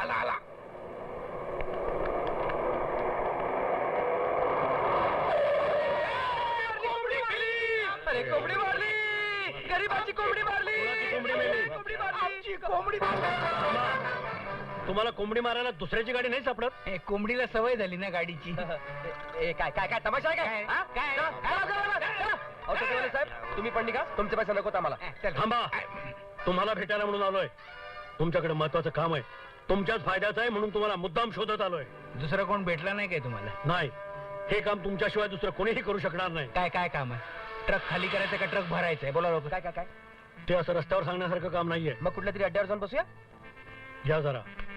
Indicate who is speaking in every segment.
Speaker 1: आला आला.
Speaker 2: अरे कोंबडी मारली, गरीबाची कोंबडी मारली. आमची कोंबडी मारली.
Speaker 3: तुम्हाला कोंबडी मारायला दुसऱ्याची गाडी नाही सापडत?
Speaker 1: कोंबडीला सवय झाली ना गाडीची.
Speaker 2: काय काय काय तमाशा आहे काय? हा?
Speaker 1: काय?
Speaker 2: चला, चला, चला, चला. अहो, सचिवाले साहेब तुम्ही पण निघा, तुमचे पैसे नकोत आम्हाला.
Speaker 3: थांबा, तुम्हाला भेटायला म्हणून आलोय. तुमच्याकडे महत्वाचं काम आहे, तुमच्याच फायद्याचं आहे म्हणून तुम्हाला मुद्दाम शोधत आलोय.
Speaker 1: दुसरा कोण भेटला नाही काय तुम्हाला?
Speaker 3: नाही, हे काम तुमच्याशिवाय दुसरं कोणीही करू शकणार नाही.
Speaker 1: काय काय काम आहे? ट्रक खाली करायचं का ट्रक भरायचंय? बोला लोक.
Speaker 2: काय काय काय
Speaker 3: ते असं रस्त्यावर सांगण्यासारखं काम नाहीये.
Speaker 2: मग कुठल्या तरी अड्ड्यावर जाऊन बसूया.
Speaker 3: घ्या जरा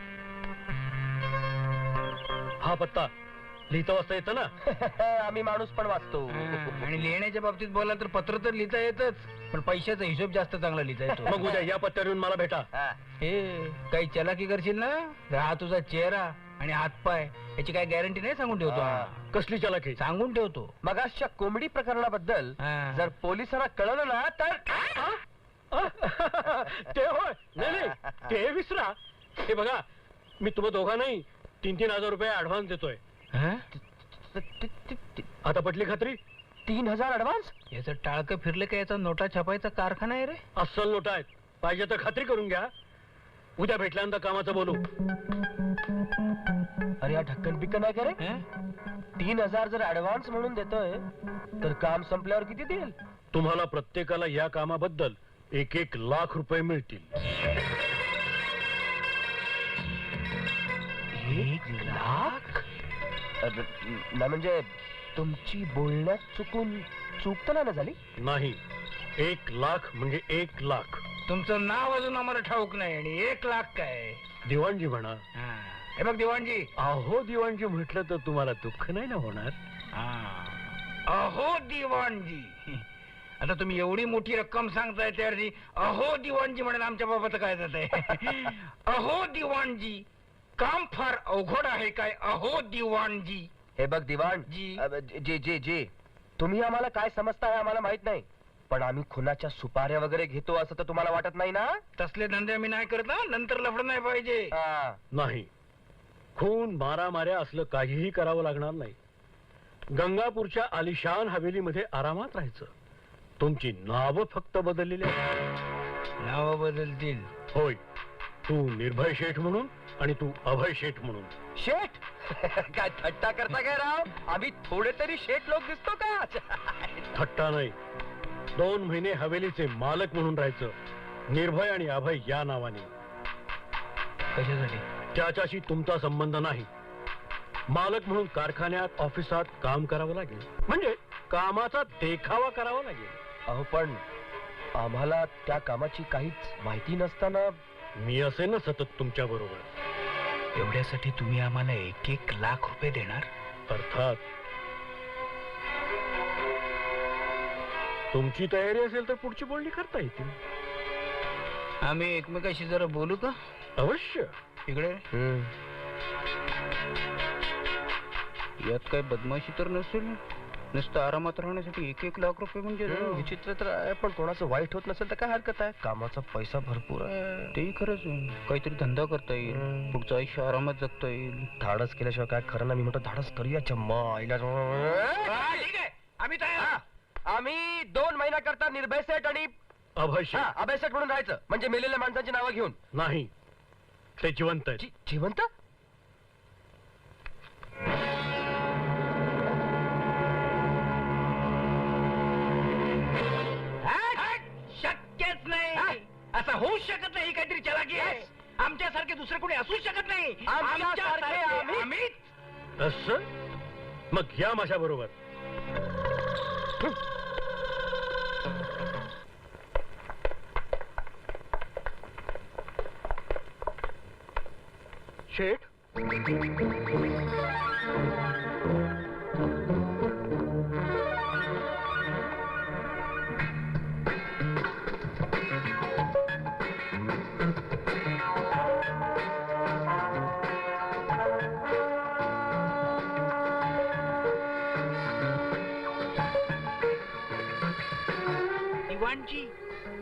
Speaker 3: हा पत्ता, लिहिता वाचता येतं ना?
Speaker 2: आम्ही माणूस पण वाचतो.
Speaker 1: आणि लिहिण्याच्या बाबतीत बोला तर पत्र तर लिहिता येतच, पण पैशाचा हिशोब जास्त चांगला लिहिता येतो.
Speaker 3: मग उद्या या पत्त्यावर येऊन मला भेटा.
Speaker 2: हा.
Speaker 1: हे काही चलाकी करशील ना, तर हा तुझा चेहरा आणि हातपाय याची काय गॅरंटी नाही, सांगून ठेवतो.
Speaker 2: हा.
Speaker 3: कसली चलाकी?
Speaker 1: सांगून ठेवतो.
Speaker 2: मगाशच्या कोंबडी प्रकरणाबद्दल
Speaker 1: हा.
Speaker 2: जर पोलिसांना कळलं ना तर
Speaker 3: ते होय, नाही नाही, ते विसरा. हे बघा, मी तुम्हा दोघा नाही 3,000 रुपये ऍडव्हान्स देतोय.
Speaker 1: हा?
Speaker 3: आता पटली खात्री?
Speaker 2: 3,000 ऍडव्हान्स?
Speaker 1: याचं टाळकं फिरलं का याचा नोटा छापायचा कारखाना आहे रे.
Speaker 3: अस्सल नोटा आहेत, पाहिजे तर खात्री करून घ्या. उद्या भेटल्यानंतर कामाचं बोलू.
Speaker 2: अरे या ढक्कन पिक्कन नाही का रे?
Speaker 1: हा?
Speaker 2: 3,000 जर ऍडव्हान्स म्हणून देतोय तर काम संपल्यावर किती देईल?
Speaker 3: तुम्हाला प्रत्येकाला या कामाबद्दल 1-1 लाख रुपये मिळतील.
Speaker 2: 1 लाख? ना म्हणजे तुमची बोलण्यात चूक तर नाही ना झाली?
Speaker 3: नाही, 1 लाख म्हणजे 1 लाख.
Speaker 1: तुमचं नाव अजून आम्हाला ठाऊक नाही आणि 1 लाख काय?
Speaker 3: दिवाणजी म्हणा.
Speaker 1: हा. हे बघ दिवाणजी.
Speaker 3: अहो दिवाणजी म्हटलं तर तुम्हाला दुःख नाही ना होणार?
Speaker 1: अहो दिवाणजी. आता तुम्ही एवढी मोठी रक्कम सांगताय त्यावरती अहो दिवाणजी म्हणून आमच्या बाबाचं काय जात आहे? अहो दिवाणजी, काम फार अवघड आहे काय? अहो दिवाणजी.
Speaker 2: हे बघ दिवाण
Speaker 1: जी.
Speaker 2: जी जी जी, तुम्ही आम्हाला काय समजता हे आम्हाला माहित नाही, पण आम्ही खुनाच्या सुपाऱ्या वगैरे घेतो असं तर तुम्हाला वाटत नाही ना?
Speaker 1: तसले धंदे आम्ही नाही करत ना, नंतर लफड नाही पाहिजे.
Speaker 2: हा.
Speaker 3: नाही, खून मारामाऱ्या असलं काहीही करावं लागणार नाही. गंगापूरच्या आलिशान हवेलीमध्ये आरामात राहायचं. तुमची नावं फक्त बदललेली आहेत.
Speaker 1: नाव बदलतील.
Speaker 3: होय, तू निर्भय शेठ म्हणून आणि तू अभय शेठ म्हणून.
Speaker 2: शेठ? काय थट्टा करता काय राव? आम्ही थोडे तरी शेठ लोक दिसतो का?
Speaker 3: थट्टा नाही, 2 महिने हवेलीचे मालक म्हणून राहायचं, निर्भय आणि अभय या नावाने.
Speaker 1: कशासाठी?
Speaker 3: त्याच्याशी तुमचा संबंध नाही. मालक म्हणून कारखान्यात ऑफिसात काम करावं लागेल, म्हणजे कामाचा देखावा करावा लागेल.
Speaker 2: अहो पण आम्हाला त्या कामाची काहीच माहिती नसताना.
Speaker 3: मी असेन ना सतत तुमच्या बरोबर.
Speaker 1: एवढ्यासाठी तुम्ही आम्हाला 1-1 लाख रुपये देणार?
Speaker 3: अर्थात. तुमची तयारी असेल तर पुढची बोलणी करता येतील.
Speaker 1: आम्ही एकमेकाशी जरा बोलू का?
Speaker 3: अवश्य.
Speaker 1: इकडे यात काय बदमाशी तर नसेल? नुसतं आरामात राहण्यासाठी 1-1 लाख रुपये म्हणजे
Speaker 2: विचित्र तर आहे, पण कोणाचं वाईट होत नसेल तर काय हरकत आहे? कामाचा पैसा भरपूर आहे.
Speaker 1: तेही खरंच आहे. काहीतरी धंदा करता येईल, पुढचं आयुष्य आरामात जगता येईल.
Speaker 2: धाडस केल्याशिवाय काय खरं ना. मी म्हणतो धाडस करूया. चम्मा
Speaker 1: ठीक आहे, आम्ही तयार.
Speaker 2: आम्ही 2 महिना करता निर्भय सेठ आणि
Speaker 3: अभय शेठ.
Speaker 2: अभय सेठ म्हणून राहायचं, म्हणजे मेलेल्या माणसांची नावं घेऊन.
Speaker 3: नाही, ते जिवंत आहेत.
Speaker 2: जिवंत?
Speaker 1: शक्यच नाही, असं होऊ शकत नाही. काहीतरी चलाकी आहे. आमच्यासारखे दुसरे कोणी असू शकत नाही.
Speaker 2: आमच्यासारखे
Speaker 1: आम्ही.
Speaker 3: असं? मग या माझ्या बरोबर. शेठ,
Speaker 1: दिवाणजी, तुमची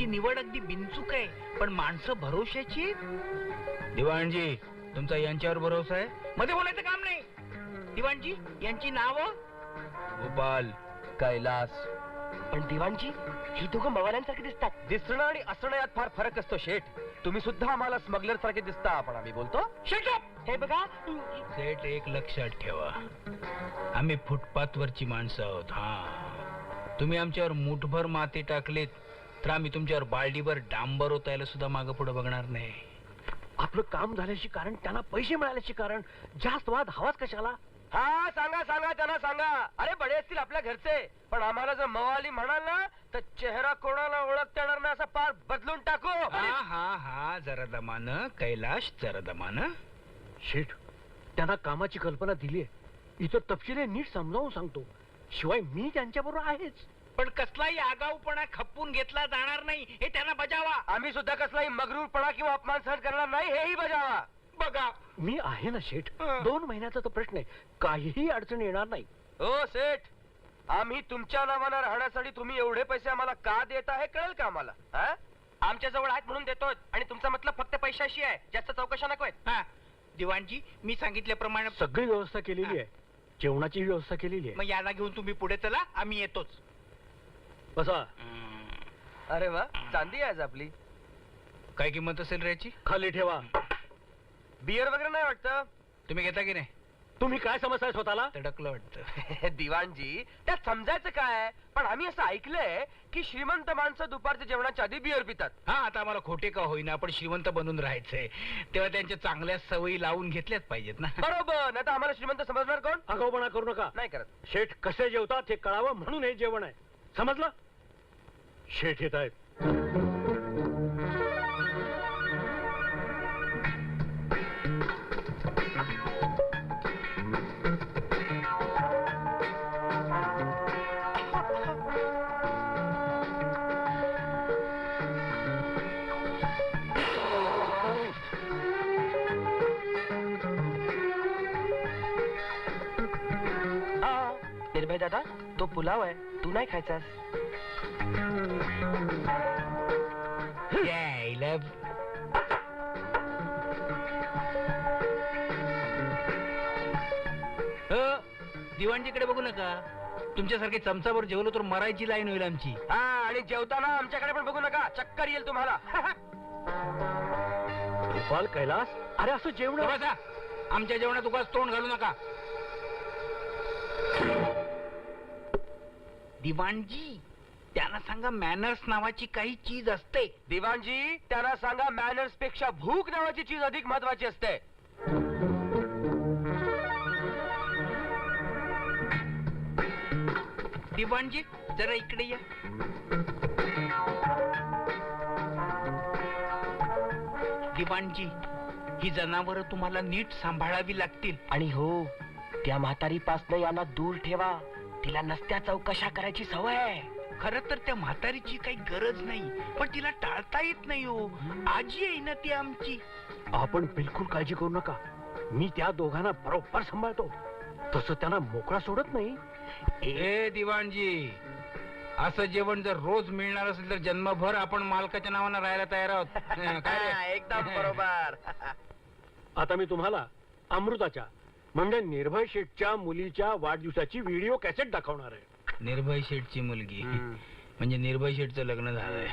Speaker 1: निवड अगदी बिनचूक आहे, पण माणसं भरोशाची आहेत. दिवाणजी, तुमचा यांच्यावर भरोसा आहे? मध्ये बोलायचं काम नाही. दिवाणजी, यांची नावं? गोपाल,
Speaker 2: कैलास. पण दिवाणजी, ही दोघं मवाल्यांसारखे दिसतात. दिसणं आणि असणं यात फार फरक असतो शेठ. तुम्ही सुद्धा आम्हाला स्मगलर सारखे दिसता, पण आम्ही बोलतो
Speaker 1: Shut up!
Speaker 2: हे बघा.
Speaker 1: सेठ, एक लक्षात ठेवा, आम्ही फुटपाथ वरची माणसं आहोत. हा, तुम्ही आमच्यावर मुठभर माती टाकलीत तर आम्ही तुमच्यावर बालडीभर डांबर ओतायला सुद्धा मागं पुढे बघणार नाही.
Speaker 3: आपलं काम झाल्याशी कारण, त्यांना पैसे मिळाल्याशी कारण, जास्त वाद हवाच कशाला?
Speaker 2: हा, सांगा सांगा, त्यांना सांगा. अरे बडे असतील आपल्या घरचे, पण आम्हाला जर मवाली म्हणाल ना तर चेहरा कोणाला ओळखता येणार नाही, असा पार बदलून टाकू.
Speaker 1: हा हा हा, जरा दमानं कैलाश, जरा दमानं.
Speaker 3: शेठ, त्यांना कामाची कल्पना दिली आहे. इथं तपशील नीट समजावून सांगतो. शिवाय मी त्यांच्याबरोबर आहेच.
Speaker 1: पण कसलाही आगाऊपणा खपवून घेतला जाणार नाही, हे त्यांना बजावा.
Speaker 2: आम्ही सुद्धा कसलाही मगरूरपणा किंवा अपमान सहन करणार नाही, हेही बजावा.
Speaker 1: बघा,
Speaker 3: मी आहे ना शेठ.
Speaker 1: हं.
Speaker 3: 2 महिन्याचा तो प्रश्न आहे, काहीही अडचण येणार नाही.
Speaker 2: हो सेठ, आम्ही तुमच्या नावानं राहण्यासाठी तुम्ही एवढे पैसे आम्हाला का देता हे कळेल का आम्हाला? हा? आमच्या जवळ आहेत म्हणून देतोय, आणि तुमचा मतलब फक्त पैशाशी आहे, जास्त चौकशा नकोय.
Speaker 1: हा दिवाणजी, मी सांगितल्याप्रमाणे
Speaker 3: सगळी व्यवस्था केलेली आहे, जेवणाची व्यवस्था केलेली आहे.
Speaker 1: मग याला घेऊन तुम्ही पुढे चला, आम्ही येतोच.
Speaker 3: बसा.
Speaker 2: अरे वा, चांदी आहे आज आपली.
Speaker 1: काय किंमत असेल रे याची?
Speaker 3: खाली ठेवा.
Speaker 2: बियर वगैरे नाही वाटतं?
Speaker 1: तुम्ही घेता की नाही?
Speaker 3: तुम्ही काय समजताय स्वतःला?
Speaker 1: तडकलं वाटतं.
Speaker 2: दिवाणजी, त्यात समजायचं काय? पण आम्ही असं ऐकलंय की श्रीमंत माणसं दुपारच्या जेवणाच्या आधी बियर पितात.
Speaker 1: हा, आता आम्हाला खोटे का होईना, आपण श्रीमंत बनून राहायचंय, तेव्हा त्यांच्या चांगल्या सवयी लावून घेतल्याच पाहिजेत ना.
Speaker 2: बरोबर, नाही तर आम्हाला श्रीमंत समजणार कोण?
Speaker 3: आगाऊपणा करू नका.
Speaker 2: नाही करत.
Speaker 3: शेठ कसे जेवतात हे कळावं म्हणून हे जेवण आहे, समजलं? शेठ येत आहेत.
Speaker 2: निर्भय दादा, तो पुलाव आहे, तू नाही खायचास?
Speaker 1: यायला. दिवाणजीकडे बघू नका, तुमच्यासारखे चमचाभर जेवलो तर मरायची लाईन होईल आमची.
Speaker 2: हा, आणि जेवताना आमच्याकडे पण बघू नका, चक्कर येईल तुम्हाला.
Speaker 3: गोपाल, कैलास, अरे असं जेवण.
Speaker 1: बसा, आमच्या जेवणात उगाच तोंड घालू नका. दिवाणजी, त्यांना सांगा मॅनर्स नावाची काही चीज असते.
Speaker 2: दिवाणजी, त्यांना सांगा मॅनर्स पेक्षा भूक नावाची चीज अधिक महत्वाची असते.
Speaker 1: दिवाणजी, जरा इकडे या. दिवाणजी, ही जनावरं तुम्हाला नीट सांभाळावी लागतील.
Speaker 2: आणि हो, त्या म्हातारीपासनं यांना दूर ठेवा, तिला नसत्या चौकशा करायची सवय आहे.
Speaker 1: खरं तर त्या म्हातारीची काही गरज नाही, पण तिला टाळता येत नाही हो. आजी आहे ना ती आमची.
Speaker 3: आपण बिलकुल काळजी करू नका, मी त्या दोघांना बरोबर सांभाळतो. तसं त्यांना मोकळा सोडत नाही.
Speaker 1: ए दिवाणजी, असं जेवण जर रोज मिळणार असेल तर जन्मभर आपण मालकाच्या नावानं राहायला तयार आहोत. काय रे?
Speaker 2: एकदम बरोबर.
Speaker 3: आता मी तुम्हाला अमृताच्या म्हणजे निर्भय शेठच्या मुलीच्या वाढदिवसाची व्हिडिओ कॅसेट दाखवणार आहे.
Speaker 1: निर्भय शेठची मुलगी म्हणजे निर्भय शेठचं लग्न झालंय.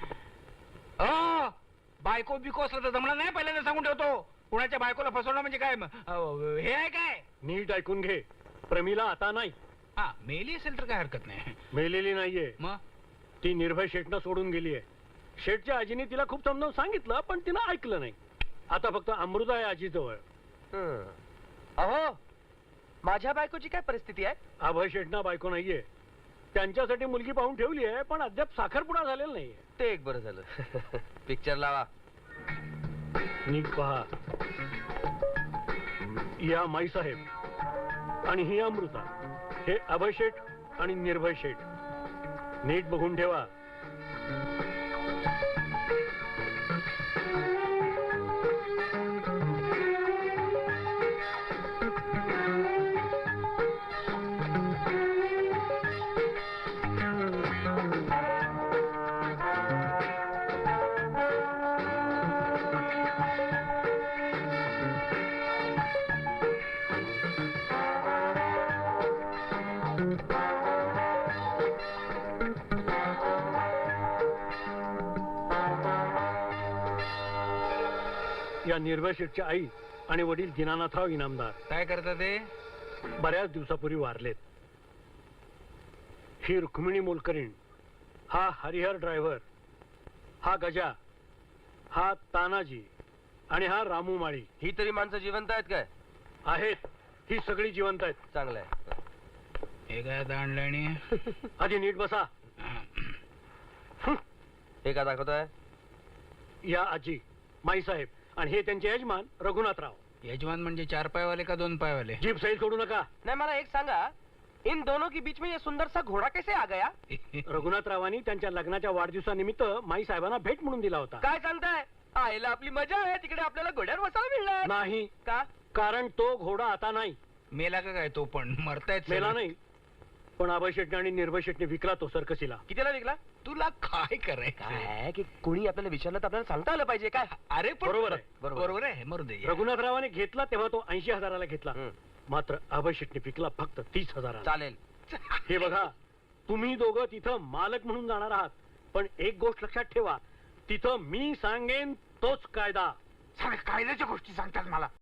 Speaker 1: बायको बिको असलं तर जमणार नाही, पहिल्यांदा सांगून ठेवतो. कुणाच्या बायकोला फसवणं म्हणजे काय हे आहे काय?
Speaker 3: नीट ऐकून घे, प्रमिला आता नाही.
Speaker 1: हा, मेली असेल तर काय हरकत नाही.
Speaker 3: मेलेली नाहीये,
Speaker 1: मग
Speaker 3: ती निर्भय शेठनं सोडून गेली आहे. शेठच्या आजीने तिला खूप समजावून सांगितलं, पण तिनं ऐकलं नाही. आता फक्त अमृता आहे आजीजवळ.
Speaker 2: अहो, माझ्या बायकोची काय परिस्थिती आहे?
Speaker 3: अभय शेठना बायको नाहीये, त्यांच्यासाठी मुलगी पाहून ठेवली आहे, पण अद्याप साखरपुडा झालेला नाहीये.
Speaker 2: ते एक बरं झालं. पिक्चर लावा.
Speaker 3: नीट पहा. या माई साहेब आणि ही अमृता, हे अभय शेठ आणि निर्भय शेठ. नीट बघून ठेवा. या निर्भय शेठच्या आई आणि वडील दीनानाथराव इनामदार
Speaker 1: काय करता ते?
Speaker 3: बऱ्याच दिवसापूर्वी वारलेत. ही रुक्मिणी मोलकरीण, हा हरिहर ड्रायव्हर, हा गजा, हा तानाजी आणि हा रामू माळी
Speaker 2: ही तरी माणसं जिवंत आहेत काय?
Speaker 3: आहेत. ही सगळी जिवंत आहेत.
Speaker 2: चांगलं आहे.
Speaker 1: हे काय आता आणलं आणि
Speaker 3: आधी नीट बसा.
Speaker 2: हे का दाखवतोय?
Speaker 3: या आजी माईसाहेब आणि हे त्यांचे यजमान रघुनाथराव.
Speaker 1: यजमान म्हणजे 4 पायवाले का 2 पायवाले?
Speaker 3: जीप सैल सोडू नका.
Speaker 2: नाही, मला एक सांगा, इन दोनों के बीच में ये सुंदर सा घोडा कैसे आ गया?
Speaker 3: रघुनाथरावांनी त्यांच्या लग्नाच्या वाढदिवसानिमित्त माई साहेबांना भेट म्हणून दिला होता.
Speaker 2: काय सांगताय? आईला आपली मजा आहे, तिकडे आपल्याला घोड्यावर बसायला मिळणार
Speaker 3: नाही,
Speaker 2: का?
Speaker 3: कारण तो घोडा आता नाही.
Speaker 1: मेला का काय तो? पण मरतायत
Speaker 3: मेला
Speaker 1: सगळे.
Speaker 3: नाही, पण अभय शेटने आणि निर्भय शेटने विकला तो सर्कसीला.
Speaker 2: कितीला विकला?
Speaker 1: तुला काय करायचं?
Speaker 2: काय की कोणी आपल्याला विचारलं तर आपल्याला सांगता आलं पाहिजे काय?
Speaker 1: अरे पण
Speaker 3: बरोबर आहे.
Speaker 1: बरोबर आहे, मरू दे.
Speaker 3: रघुनाथरावाने घेतला तेव्हा तो 80,000ला घेतला.
Speaker 2: हं.
Speaker 3: मात्र अभय शेटने विकला फक्त 30,000.
Speaker 2: चालेल.
Speaker 3: हे बघा, तुम्ही दोघं तिथं मालक म्हणून जाणार आहात, पण एक गोष्ट लक्षात ठेवा, तिथं मी सांगेन तोच कायदा.
Speaker 1: सगळ्या कायद्याच्या गोष्टी सांगतात मला.